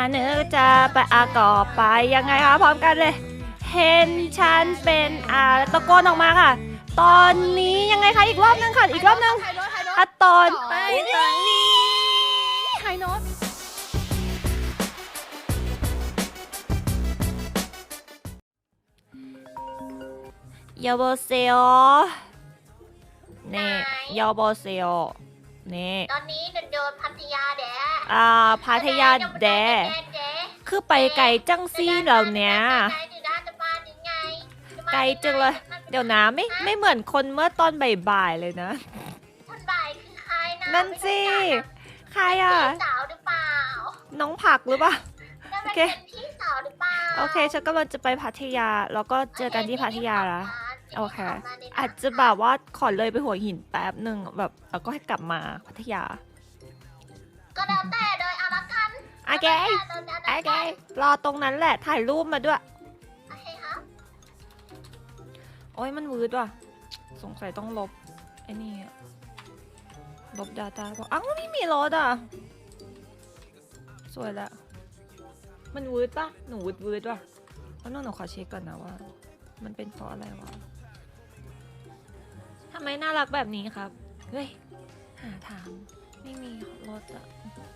นึกจะไปก่อไปยังไงคะพร้อมกันเลย เห็นฉันเป็นตะโกนออกมาค่ะ ตอนนี้ยังไงคะอีกรอบนึงค่ะอีกรอบนึงตอนไปตอนนี้ไฮโน้ตยาโบเซโอนี่ยาโบเซโอนี่ตอนนี้โดนพัทยาแดดพัทยาแดคือไปไกลจังซี่เหล่านี้ไกลจังเลยเดี๋ยวนะไม่เหมือนคนเมื่อตอนบ่ายๆเลยนะคนบ่ายคือใครนะนั่นสิใครอ่ะพี่สาวหรือเปล่าน้องผักหรือเปล่าโอเคพี่สาวหรือเปล่าโอเคฉันกำลังจะไปพัทยาแล้วก็เจอกันที่พัทยาละโอเคอาจจะแบบว่าขอเลยไปหัวหินแป๊บหนึ่งแบบแล้วก็ให้กลับมาพัทยาก็แล้วแต่โดยเอาละกันโอเคโอเครอตรงนั้นแหละถ่ายรูปมาด้วยโอเคครับโอ้ยมันวืดว่ะสงสัยต้องลบไอ้นี่อะลบ Data เพราะอ้าวไม่มีรถอ่ะสวยละมันวืดปะหนูวืดว่ะแล้วน้องหนูขอเช็คก่อนนะว่ามันเป็นเพราะอะไรวะทำไมน่ารักแบบนี้ครับเฮ้ยหาถามไม่มีรถอ่ะ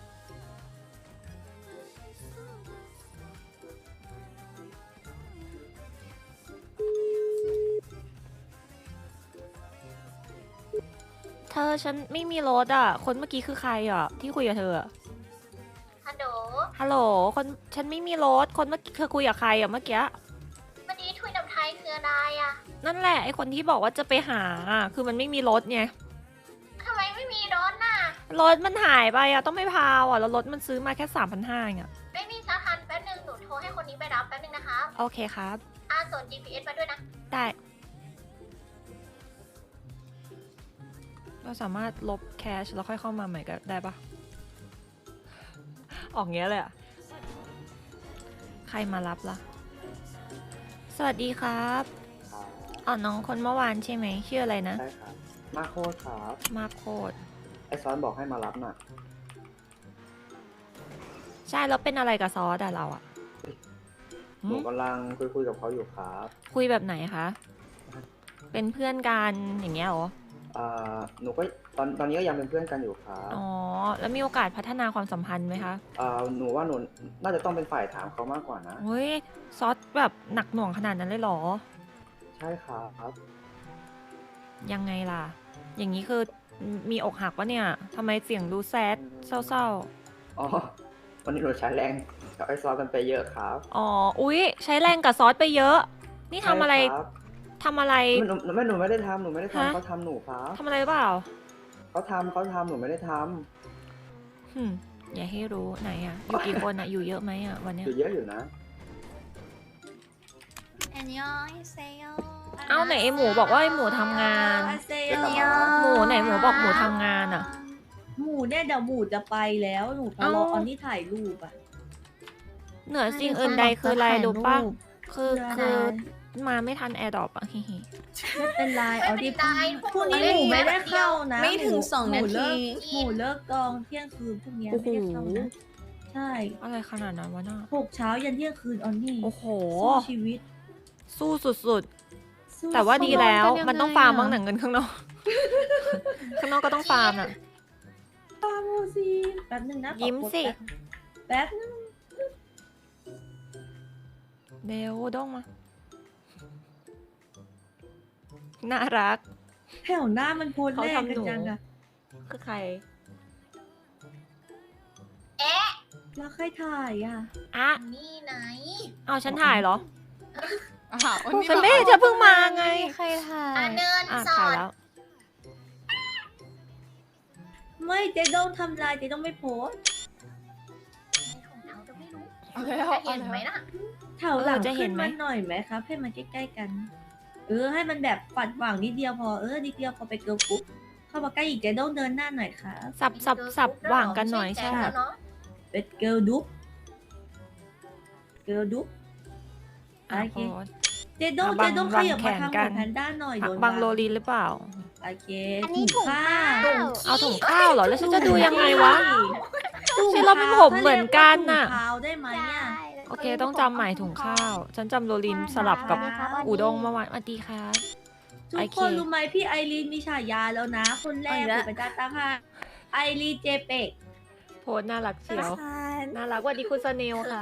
เธอฉันไม่มีรถอ่ะคนเมื่อกี้คือใครอ่ะที่คุยกับเธออะฮัลโหลฮัลโหลคนฉันไม่มีรถคนเมื่อกี้เธอคุยกับใครอ่ะเมื่อกี้วันนี้ทุยน้ำไทยคืออะไรอ่ะนั่นแหละไอคนที่บอกว่าจะไปหาอะคือมันไม่มีรถไงทำไมไม่มีรถน่ะรถมันหายไปอ่ะต้องไม่พาวอ่ะแล้วรถมันซื้อมาแค่3,500เองอ่ะไม่มีสาทันแป๊บนึงหนูโทรให้คนนี้ไปรับแป๊บนึงนะคะโอเคครับส่วน GPS มาด้วยนะได้เราสามารถลบแคชแล้วค่อยเข้ามาใหม่ก็ได้ปะออกเงี้ยเลยอ่ะใครมารับล่ะสวัสดีครับน้องคนเมื่อวานใช่ไหมชื่ออะไรนะใช่ครับมาโคตรครับมาโคดไอซอนบอกให้มารับน่ะใช่แล้วเป็นอะไรกับซอสอะเราอะหนูกำลังคุยกับเขาอยู่ครับคุยแบบไหนคะ เป็นเพื่อนกันอย่างเงี้ยเหรอหนูก็ตอนนี้ก็ยังเป็นเพื่อนกันอยู่ครับอ๋อ แล้วมีโอกาสพัฒนาความสัมพันธ์ไหมคะหนูว่าหนูน่าจะต้องเป็นฝ่ายถามเขามากกว่านะเฮ้ย ซอสแบบหนักหน่วงขนาดนั้นเลยเหรอใช่ครับยังไงล่ะ อย่างนี้คือมีอกหักวะเนี่ยทำไมเสียงดูแซดเศร้าอ๋อ วันนี้หนูใช้แรงกับไอซอนกันไปเยอะครับๆ อ๋อ อุ๊ย ใช้แรงกับซอสไปเยอะ นี่ทำอะไรใช่ครับทำอะไรหนูไม่ได้ทำหนูไม่ได้ฮะทำเขาทำหนูครับทำอะไรหรือเปล่าเขาทำหนูไม่ได้ทอย่าให้รู้ไหนอะอยู่กี่คนอะอยู่เยอะไหมอะวันำเนี้อย ยู่เยอะอยู่นะอันยองเซโยเอ้าไหนไอหมูบอกว่าไอหมูทำงานเซจะกลับโยมาหมูไหนหมูบอกหมูทำงานอะหมูเนี่ยเดี๋ยวหมูจะไปแล้วหนูก็รออันนี้ถ่ายรูปอ่ะเหนือสิ่งอื่นใดคืออะไรรู้ปะคือได้มาไม่ทันแอร์ดรอปอะฮิฮิไม่เป็นไรเอาดิได้พรุ่งนี้หมูไม่ได้เข้านะไม่ถึง2 นาทีหมูเลิกกองเที่ยงคืนพรุ่งนี้ไม่ได้เข้านะใช่อะไรขนาดนั้นวะน่ะ 6 เช้ายันเที่ยงคืนออนนี่โอ้โหสู้ชีวิตสู้สุดสู้ๆ แต่ว่าดีแล้วเขานอนกันยังไงมันต้องฟาร์มอะบ้างหนังเงินข้างนอก ข้างนอกก็ต้องฟาร์มน่ะฟาร์มดูสิแป๊บนึงนะขอยิ้มกดสิแป๊บนึงเร็วด้องมา น่ารักแถวหน้ามันโพลเขาแรกทำกันหนูจังอะคือใครแล้วใครถ่ายอ่ะอ่ะนี่ไหนเอาฉันถ่ายเหรอวันนี้ฉันไม่เห็นจะเพิ่งมาไงใครถ่ายเนินอ่ะสอถ่ายดแล้วไม่เจ๊ต้องทำลายเจ๊ต้องไม่โพสต์ของเขาจะไม่รู้เอาแล้วจะเห็นไหมนะแถวหลังจะเห็ขึ้นนไหมมาหน่อยไหมครับ ให้มันใกล้ๆกัน ให้มันแบบปัดหว่างนิดเดียวพอนิดเดียวพอไปเกิร์ลกรุ๊ปเข้ามาใกล้อีกเจ๊ต้องเดินหน้าหน่อยครับสับหว่างกันหน่อยใช่แล้วเนาะเป็นเกิร์ลดุ๊บเกิร์ลดุ๊บอ่ะโอเคโพสเจ๊ต้องบังเจ๊ต้องบัขงยับแขมาน ทางกัขอน งแพนด้าหน่อยโดนบังโรลีนหรือเปล่าโอเคอันนี้ถุงข้าวเอาถุงข้าวเหรอ แล้วฉันจะดูยังไงวะจุ่มเราเป็นผมเหมือนกันน่ะถุงเท้าได้ไหมอ่ะโอเคต้องจำใหม่ถุงข้าว ฉันจำโรลินสลับกับอูด้งเมื่อวานสวัสดีครับทุโอก เคคนรู้ไหมพี่ไอรีนมีฉายาแล้วนะ คนแรกเอาอีกแล้วเป็นจ้าตั้งให้ไอรีนเจเป็กโพสต์น่ารักเชียว น่ารักสวัสดีคุณสเนลค่ะ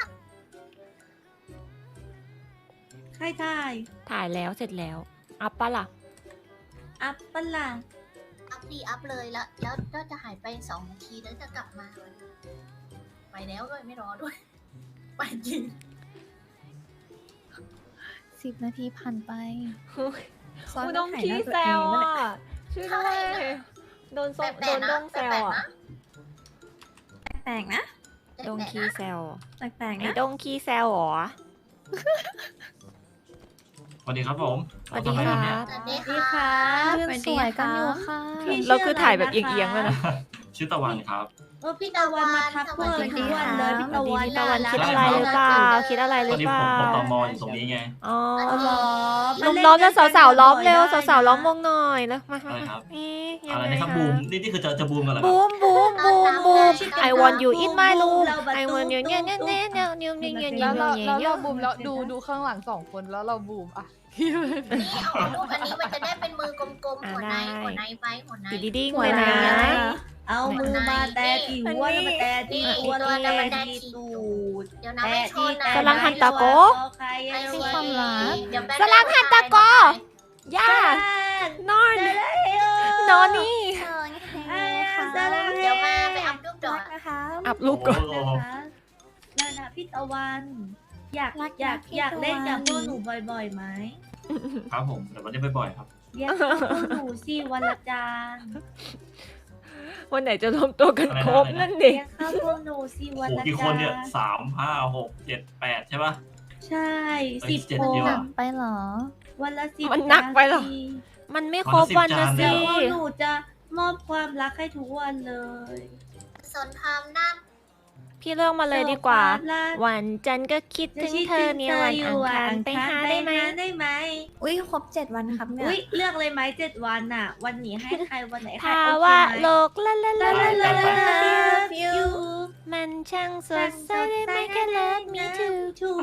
ใครถ่ายถ่ายแล้วเสร็จแล้ว อัพปะล่ะอัปปะล่ะอัพดีอัพเลยแล้วก็จะหายไป2 นาทีแล้วจะกลับมา ไปแล้วด้วยไม่รอด้วย ไปจริง 10 นาทีผ่านไปอูด้งขี้แซวอ่ะช่วยด้วยโดนแปลโดกนๆด้นะงแปแซวลกๆอ่ะนะแปลกๆนะด้งแปลกๆขี้นะแซวแปลกๆไอ้นะด้งขี้แซวเหรอสวัสดีครับผมสวัสดีทำอะไรคกันรัเนี่ยบสวัสดีค่ะเรื่องสวยกันอยู่ค่ะพี่เราคือถ่ายแบบเอียงๆเลยนะชื่อตะวันครับพี่ตะวันมาทักเพื่อนทุกวันเลยพี่ตะวันพี่ตะวันน่าคิดรักอะไรหรือเปล่า คิดอะไรหตรืออนนี้เปผมล่าตมอยู่ตรงนี้ไงอ๋ออ๋อเหรอลุมล้อมแล้วสาวๆล้อมเร็วสาวๆล้อมวงหน่อยแล้วมาอะไรครับนี่ยัอะงไรไงนะครับคะบูมนี่คือจะบูมกันเหรอครับบูมบูมบูมบูม I want you in my room เราแบบ I want you เนี่ยเนี่ยเนี่ยเนี่ยเนี่ยเนี่ยเนี่ยเนี่ยแล้วเนี่ยเราเนี่ยบูมแล้วดูข้างหลัง2 คนแล้วเราบูมอ่ะนี่เอารูปอันนี้มันจะได้เป็นมือกลมๆหัวในไปหัวในอยู่ดีๆเลยนะเอามือมาแตะที่หัวแล้วมาแตะที่หัวแล้วมาแตะที่ตูดเดี๋ยวนะไม่ชนนะกำลังหันตะโกใครไม่อะสิไรความรักเดี๋ยวแบกำลังหันตะโก ย่า นอน นอนนี่เดี๋ยวมาไปอัพรูปดอกนะคะอัพรูปก่อนโอ้โหนั่นนะพี่ตะวัน อยากรักอยากพี่อยากตะวันเล่นกับพวกหนูบ่อยๆไหมครับผมเดี๋ยววันนี้บ่อยๆครับเรียกเข้าพวกหนูสิวันละจานวันไหนจะรวมตัวกันครบนั่นดิเรียกเข้าพวกหนูสิโอ้วันโหละกี่คจานเนี่ยน 3 5 6 7 8 ใช่ปะใช่เอ้ย 10 7 คนเดียวอะไปเหรอวันละ10 มันหนักไปเหรอนาทีมันไม่ครบวันนะสิแต่พวกหนูจะมอบความรักให้ทุกวันเลยสนทามหน้าพี่เลือกมาเลยดีกว่าความรักวันจันทร์ก็คิดถึงเธอเนี่ยวันอังคารไปหาได้ไหมได้ไหมอุ้ยครบ 7 วันครับเนี่ยอุ้ยเลือกเลยไหม7 วันน่ะ วันนี้ให้ใครวันไหนใครภาโอเควะไหมโลกละละละละละละ Love you มันช่างสดใสได้ไหมแค่ love me too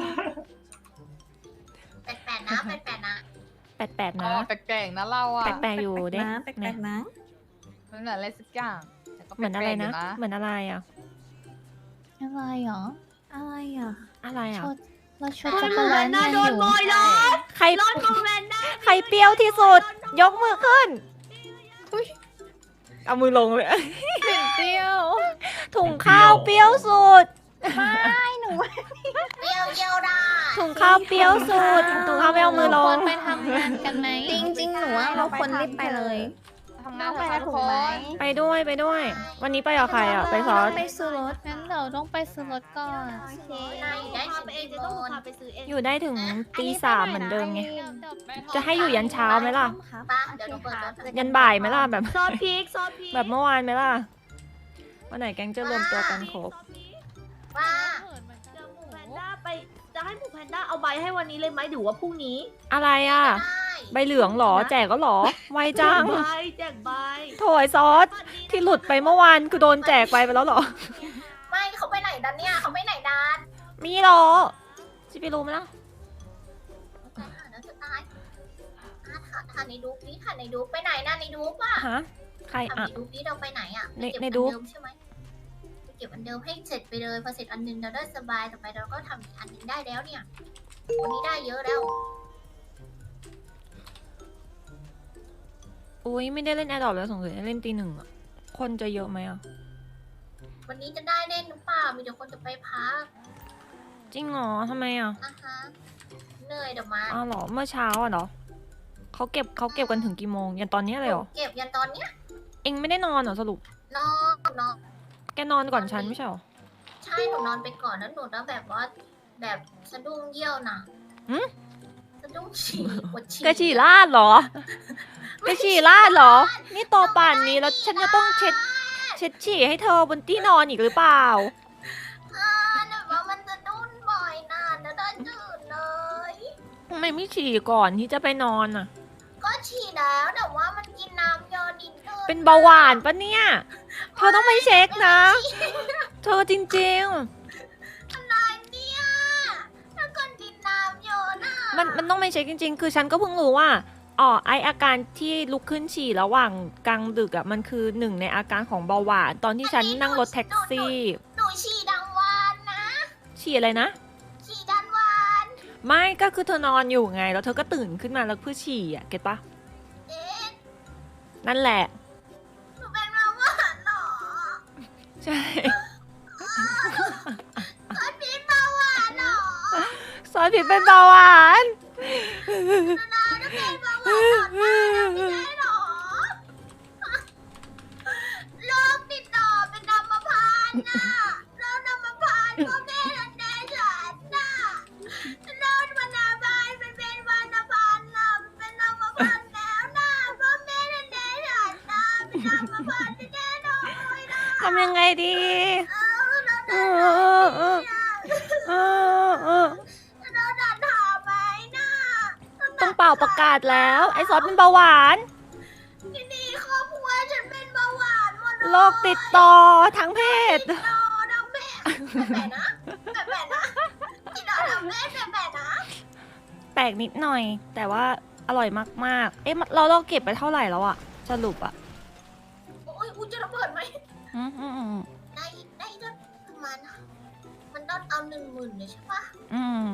แปดนะแปดนะแปดๆอ๋อนะแปลกๆนะเราอ่ะแปลกๆอยู่เด้นะแปลกๆนะมันเหมือนอะไรสักอย่างแต่ก็เหมือนอะไรนะแปลกๆยู่เหมือนอะไรอ่ะอะไรหรอ อะไรอ่ะอะไรอ่ะชดเราชดจักรแลนน่าโดนโมยเลยใครรถโมแมนได้ใครเปรี้ยวที่สุด ยกมือขึ้น เอามือลงเลยเปรี้ยวถุงข้าวเปรี้ยวสุดเดียวเดียวได้ถุงข้าวเปรี้ยวสุด ถุงข้าวไม่เอามือลควงรไปทำงานกันไหมจริงๆหนูว่าเราควรรีบไปเลยทำงานไปทุกคนไปด้วยไปด้วย วันนี้ไปกับใครอ่ะ ไปซอสไปซื้อรถงั้นเราต้องไปซื้อรถก่อนนายได้สิบเอ็ดโมงอยู่ได้ถึงตี 3เหมือนเดิมไง จะให้อยู่ยันเช้าไหมล่ะป้าเดี๋ยวหนูเปิดรถยันบ่ายไหมล่ะแบบซอสพริกซอสพริกแบบเมื่อวานไหมล่ะ วันไหนแก๊งจะรวมตัวกันครบว่าเดี๋ยวหมูแพนด้าไปจะให้หมูแพนด้าเอาใบให้วันนี้เลยไหมหรือว่าพรุ่งนี้อะไรอ่ะได้ใบเหลืองเหรอ แจกก็เหรอ ไวจังใบแจกใบโถยซอส ที่หลุดไปเมื่อวานคือโดนแจกไปแล้วเหรอไม่เขาไปไหนดันเนี่ยเขาไปไหนดันมีเหรอจิไปรู้ไหมล่ะตายหาแล้วจะตายถ่ายในดูปนี้ถ่ายในดูปไปไหนนะในดูปอ่ะฮะ ใครถ่ายอ่ะในดูปนี้เราไปไหนอ่ะในไปเก็บในอันดูปเดิมใช่ไหมไปเก็บอันเดิมให้เสร็จไปเลยพอเสร็จอันนึงเราได้สบายต่อไปเราก็ทำอีกอันนึงได้แล้วเนี่ยวันนี้ได้เยอะแล้วอุ้ยไม่ได้เล่นแอร์ดรอปแล้วสงสัยเล่นตี 1อ่ะ คนจะเยอะไหมอ่ะวันนี้จะได้เล่นหรือเปล่ามีแต่คนจะไปพักจริงเหรอทำไมอ่ะนะคะเหนื่อยเดี๋ยวมาอ้าวเหรอ เมื่อเช้าอ่ะเหรอเขาเก็บกันถึงกี่โมง ยันตอนนี้เลยเหรอเก็บยันตอนเนี้ยเอ็งไม่ได้นอนเหรอสรุปนอนแกนอนก่อนฉันไม่ใช่เหรอใช่หนูนอนไปก่อนแล้วหนูแล้วแบบว่าแบบสะดุ้งเยี่ยวนะหึสะดุ้งฉี่ปวดฉี่กระฉี่ลาดเหรอ กระฉี่ลาดเหรอ นี่โตป่านนี้แล้วฉันจะต้องเช็ดฉี่ให้เธอบนที่นอนอีกหรือเปล่าแบบว่ามันจะดุ้นบ่อยนานแล้วได้ตื่นเลยทำไมไม่ฉี่ก่อนที่จะไปนอนอ่ะก็ฉี่แล้วแต่ว่ามันกินน้ำยอดินเกินเป็นเบาหวานปะเนี่ย เธอต้องไปเช็คนะเธอจริงอะไรเนี่ยถ้าคนกินน้ำเยอะนะๆ มันต้องไม่เช็คจริง ๆ คือฉันก็เพิ่งรู้ว่าอ๋อไออาการที่ลุกขึ้นฉี่ระหว่างกลางดึกอ่ะมันคือหนึ่งในอาการของเบาหวานตอนที่ฉันนั่งรถแท็กซี่หนูฉี่ดังวานนะฉี่อะไรนะฉี่ดันวานไม่ก็คือเธอนอนอยู่ไง แล้วเธอก็ตื่นขึ้นมาแล้วเพื่อฉี่อ่ะเก็ตปะเอ๊ะนั่นแหละหนูเป็นมาว่าหรอใช่คนพิษมาว่าหรอซอสผิดเป็นเบาหวานนาจะเป็นมาว่าหรอไม่ใช่หรอโรคติดต่อเป็นอัมพาตนะแล้วอัมพาตก็แม่รันแดฉันนะโรควรรณาบาลมันเป็นวรรณพันธ์นะมันเป็นอัมพาตแล้วนะเพราะแม่รันแดฉันนะเป็นอัมพาตแน่นอนเลยนะทำยังไงดีเออ เราดันหาไหมนะต้องเป่าประกาศแล้ว ไอซอสเป็นเบาหวานที่นี่ครอบครัวฉันเป็นเบาหวานหมดเลยโรคติดต่อทางเพศติดต่อทางเพศแบบนะแบบนะติดต่อทางเพศแบบนะแปลกนิดหน่อย แต่ว่าอร่อยมากๆ เอ๊ะเราเก็บไปเท่าไหร่แล้วอะสรุปอะโอ้ยกูจะระเบิดไหมอืมได้ก็ประมาณมันต้องเอา10,000เลยใช่ปะอืม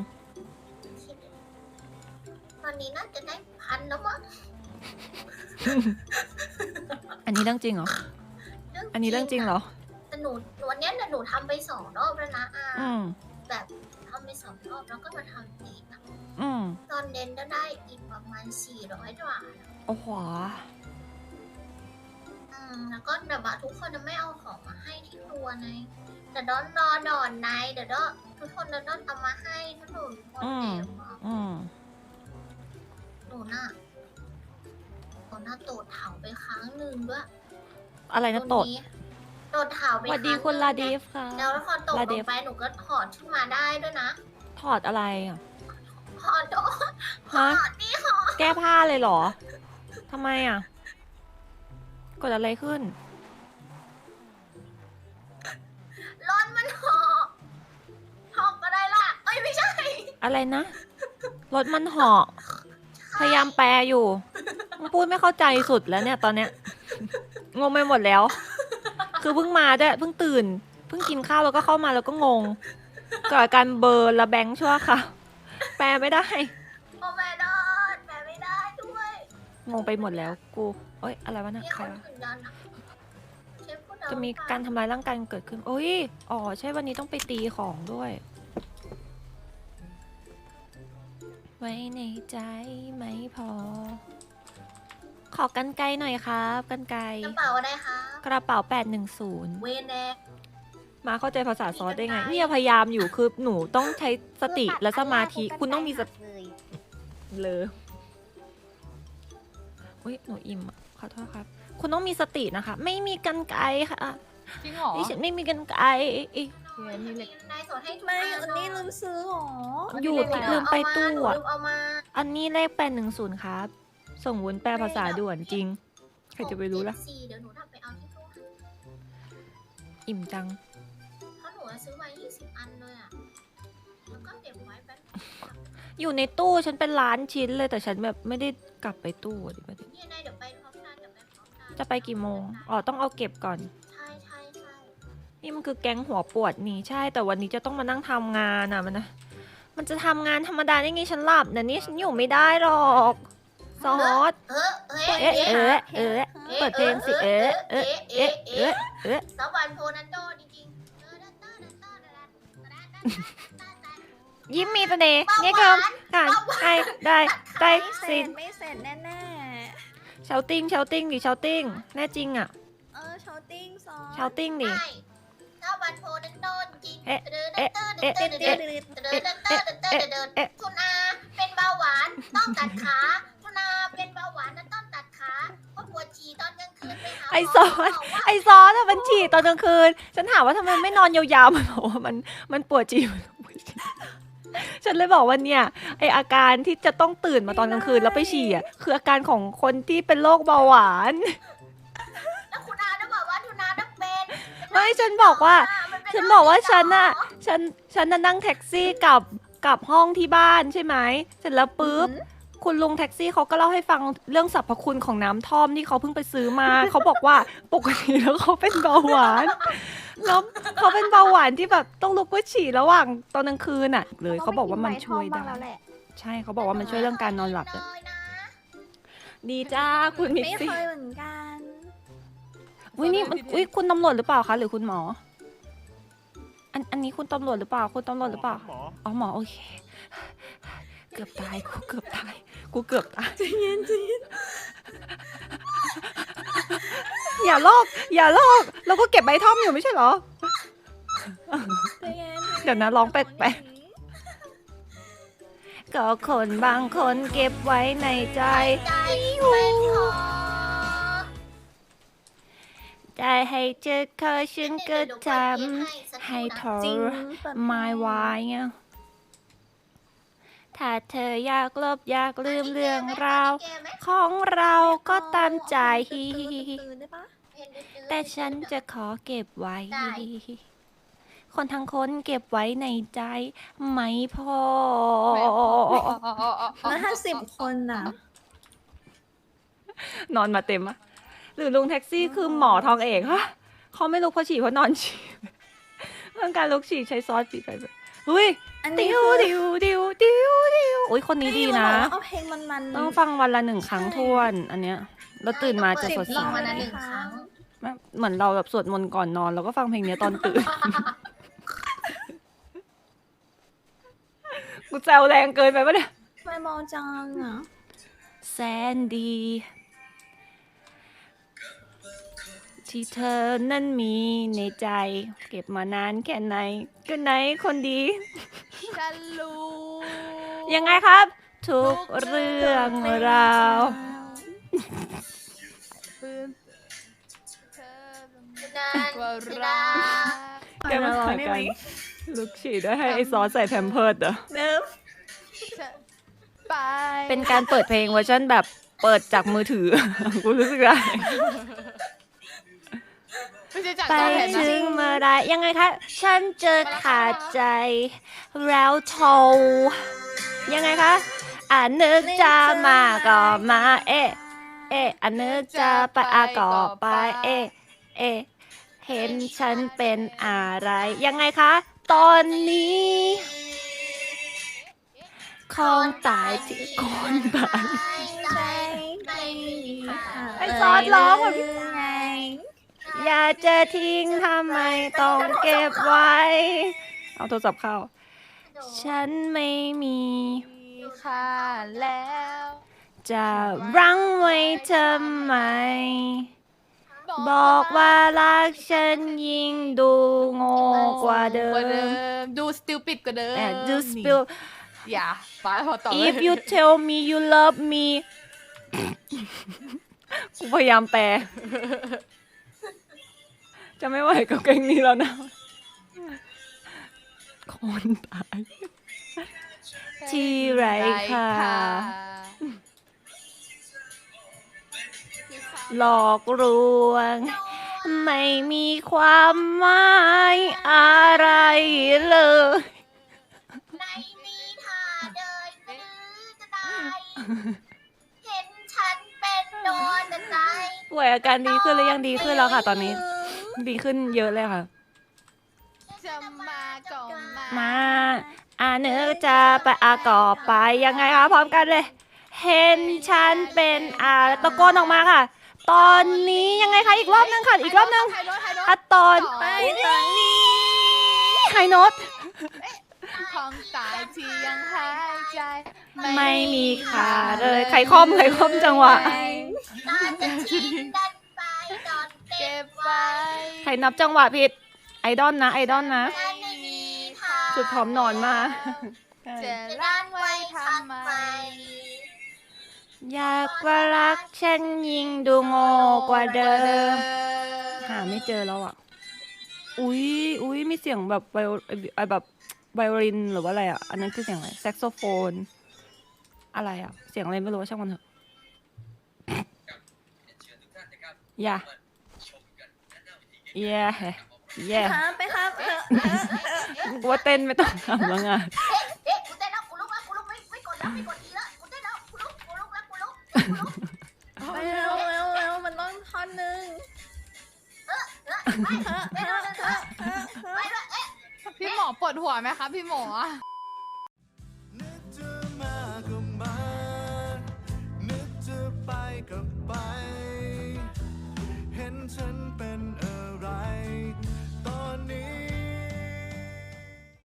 ตอนนี้น่าจะได้1,000แล้วมั้งอันนี้เรื่องจริงเหรอ อันนี้เรื่องจริงเหรอแต่หนูวันเนี้ยหนูทำไป2 รอบแล้วนะอาอืมแบบทำไป2 รอบแล้วก็มาทำอีกอะอืมตอนเน้นก็ได้อีกประมาณ400 กว่าโอ้โหแล้วก็แบบว่าทุกคนจะไม่เอาของมาให้ที่ครัวไงแต่ดอนรอดอนในเดี๋ยวทุกคนจะต้องเอามาให้ถ้าหนูคนเดียวอะอืมหนูน่ะโตดเถาไปครั้งหนึ่งด้วยอะไรนะโตดโตดเถาไปสวัสดีรั้งคุณหนึ่งลาดีฟค่ะแล้วพอตกลาลเดงฟไปหนูก็ถอดขึ้นมาได้ด้วยนะถอดอะไรอ่ะถอดถฮะอดนี่ค่ะแก้ผ้าเลยเหรอ ทำไมอ่ะ กดอะไรขึ้นร้อนมันหอกก็ได้ล่ะเอ้ยไม่ใช่อะไรนะ รถมันเหาะ พยายามแปลอยู่พูดไม่เข้าใจสุดแล้วเนี่ยตอนเนี้ย งงไปหมดแล้ว คือเพิ่งมาด้วยเพิ่งตื่น เพิ่งกินข้าวแล้วก็เข้ามาแล้วก็งงเกิดอาการเบลอร์และแบงค์ชั่วค่ะ แปลไม่ได้โอ้แม่ดอดแม่ไม่ได้ด้วยงงไปหมดแล้วกูเอ้ยอะไรวะเนี่ยนี่ใครเขาวะถึงดันอะเชฟพูดเอาจะมีการทำร้ายร่างกายกันเกิดขึ้นโอ้ยอ๋อใช่วันนี้ต้องไปตีของด้วย ไว้ในใจไม่พอ ขอกันไกลหน่อยครับกันไกลกระเป๋าอะไรคะกระเป๋า 810 เวนแดงมาเข้าใจภาษาซอสได้ไงมีกันไกลเนี่ยพยายามอยู่คือหนูต้องใช้สติและสมาธิ คุณต้องมีสติเลยเลยอุ้ยหนูอิ่มอ่ะขอโทษครับ คุณต้องมีสตินะคะ ไม่มีกันไกลค่ะจริงเหรอดิฉันไม่มีกันไกลมีเหล็กนายสอนให้ทุกไม่อัอันนี้ลืมซื้อหรออยู่ลืมไปตู้หนูอ่ะลืมเอามาอันนี้เลข810ครับ ส่งวุ้นแปลภาษาด่วนจริง ใครจะไปรู้ล่ะ 674เดี๋ยวหนูทำไปเอาที่ตู้ให้อิ่มจังเพราะหนูซื้อมา20 อันเลยอ่ะแล้วก็เก็บไว้แป๊บอยู่ในตู้ฉันเป็นล้านชิ้นเลยแต่ฉันแบบไม่ได้กลับไปตู้อะดิประเด็นเนี่ยนายเดี๋ยวไปพร้อมกันเดี๋ยวไปพร้อมกันจะไปกี่โมง อ๋อต้องเอาเก็บก่อนใช่ใช่ใช่นี่มันคือแก๊งหัวปวดนี่ใช่ แต่วันนี้จะต้องมานั่งทำงานอ่ะมันจะทำงานธรรมดาได้ไงฉันหลับนะนี่ฉันอยู่ไม่ได้หรอกซอสเอ๊ะเปิดเพลงสิเอ๊ะสวรรค์โพนันโดจริงๆยิ้มมีเสน่ห์เนี่ยเกิมการได้สินไม่เสร็จแน่เชาติ้งดิเชาติ้งแน่จริงอ่ะๆ ชาวติ้งซอเชาติ้งดิสวรรค์โพนันโดจริง คุณอาเป็นเบาหวานต้องตัดขาคุณอาเป็นเบาหวานนั้นต้องตัดขาเพราะปวดฉี่ตอนกลางคืนไปหาไอซอสอะมันฉี่ตอนกลางคืน ฉันถามว่าทำไมไม่นอนยาวๆมันบอกว่ามันปวดฉี่ฉันเลยบอกว่าเนี่ยไออาการที่จะต้องตื่นมาตอนกลางคืนแล้วไปฉี่อะคืออาการของคนที่เป็นโรคเบาหวานแล้วคุณอาต้องบอกว่าคุณอาต้องเป็นไม่ฉันบอกว่ามันเป็นฉันบอกว่าฉันน่ะนั่งแท็กซี่กลับห้องที่บ้านใช่ไหมเสร็จแล้วปุ๊บ คุณลุงแท็กซี่เขาก็เล่าให้ฟังเรื่องสรรพคุณของน้ำท่อมที่เขาเพิ่งไปซื้อมา เขาบอกว่าปกติแล้วเขาเป็นเบาหวานแล้วเขาเป็นเบาหวานที่แบบต้องลุกไปฉี่ระหว่างตอนกลางคืนอ่ะ เลยเขาบอกว่ามันช่วยได้ ใช่เขาบอกว่ามันช่วยเรื่องการนอนหลับเลยดีจ้าคุณมิกไม่ซี่เคยเหมือนกันอุ้ยนี่มันอุ้ยคุณตำรวจหรือเปล่าคะหรือคุณหมอ อันนี้คุณตำรวจหรือเปล่าคุณตำรวจหรือเปล่าอ๋อหมอโอเค เกือบตายกูเกือบตายใจเย็นอย่าลอกเราก็เก็บใบท่อมอยู่ไม่ใช่เหรอ เดี๋ยวนะร้องแปลกๆก็คนบางคนเก็บไว้ในใจใจไม่พอได้ให้เจอเธอฉันก็ทำให้เธอจริงไม่ไหวไงถ้าเธออยากลบอยากลืมเรื่องราวของเราก็ตามใจตื่นได้ปะแต่ฉันจะขอเก็บไว้ คนทั้งคนเก็บไว้ในใจไม่พอแล้วถ้า10 คนน่ะนอนมาเต็มอะหรือลุงแท็กซี่คือหมอทองเอกฮะเขาไม่ลุกเพราะฉี่เพราะนอนฉี่เรื่องการลุกฉี่ใช้ซอสฉี่ไปแบบเฮ้ยอันนี้ดิวคือดิวโอ้ยคนนี้ดีนะเอาเพลงมันต้องฟังวันละ1 ครั้งท้วน อันเนี้ยเราตื่นมาจะสด 10 ใสรอบวันละ1 ครั้งเหมือนเราแบบสวดมนต์ก่อนนอนแล้วก็ฟังเพลงเนี้ยตอนตื่น กูแซวแรงเกินไปปะเนี่ยไม่เมาจังอ่ะแสนดี ที่เธอนั้นมีในใจ เก็บมานานแค่ไหนก็ไหนคนดีฉันรู้ยังไงครับ ทุกเรื่องราวปืนเธอนั่นว่าคือรัรักกแกมาหากันลุกฉี่ด้วยให้ไอซอสใส่แพมเพิร์ดเหรอเนิร์ฟไปเป็นการเปิดเพลงเวอร์ชันแบบเปิดจากมือถือ กูรู้สึกได้ไม่ใช่จากไปจอแผ่นนะถึงเมื่อไรยังไงคะ ฉันเจอขาดใจ แล้วโทรยังไงคะนึกจะมาก็มา เอ๊ะนึกจะไปก็ไป เอ๊ะเห็นฉันเป็นอะไร ยังไงคะ ตอนนี้คงตายที่คนตายไม่มีค่าไอ้ซอสร้องอะพี่ไงอย่าจะทิ้งทำไมต้องเก็บไว้ เอาโทรศัพท์เข้า ฉันไม่มีมีค่าแล้วจะรั้งไว้ทำไม บอกว่ารักฉันยิ่งดูโง่กว่าเดิกว่าเดิมมดูสติลปิดกว่าเดิม Do spill อย่าฟ้าพอต่อ if you tell me you love me กูพยายามแปล จะไม่ไหวกับเพลงนี้แล้วนะ คนตาย ที่ไรค่ะ หลอกลวง ไม่มีความหมายอะไรเลยไม่มีท่าเดินหรือจะตายเห็นฉันเป็นโดนใจป่วยอาการดีขึ้นหรือยังดีขึ้นแล้วค่ะ ตอนนี้ ดีขึ้นเยอะเลยค่ะจะมาก็มามาเนื้อจะไปก่อไปยังไงคะพร้อมกันเลย เห็นฉันเป็นตะโกนออกมาค่ะ ตอนนี้ยังไงคะอีกรอบนึงค่ะ อีกรอบนึงไฮโน้ตไฮโน้ตตอนไปตอนนี้ไฮโน้ตของตายที่ยังหายใจไม่มีขาเลยใครคล่อมจังหวะน่าจะทิ้งกันไปตอนเก็เก็บบ ไว้ไว้ใครนับจังหวะผิด ไอดอลนะฉันไม่มีทางชุดพร้อมนอนมาจะล้างไว้ทำไมอยากว่ารักฉันยิ่งดูโง่กว่าเดิม หาไม่เจอแล้วอ่ะ อุ้ยมีเสียงแบบแบบไวโอลินหรือว่าอะไรอ่ะ อันนั้นคือเสียงอะไร แซกโซโฟน อะไรอ่ะ เสียงอะไรไม่รู้ช่างมันเถอะ อย่าแย่ครับไปครับกูว่าเต้นไม่ต้องทำแล้วงานกูเต้นแล้วกูลุกแล้วกูลุกไม่กดแล้วไม่กดอีแล้วกูเต้นแล้วกูลุกแล้วกูลุกไปเร็วเร็วเร็วมันต้องท่อนหนึ่งไปเลยเอ๊ะพี่หมอปวดหัวไหมคะพี่หมอนึกจะมาก็มา นึกจะไปก็ไป เห็นฉัน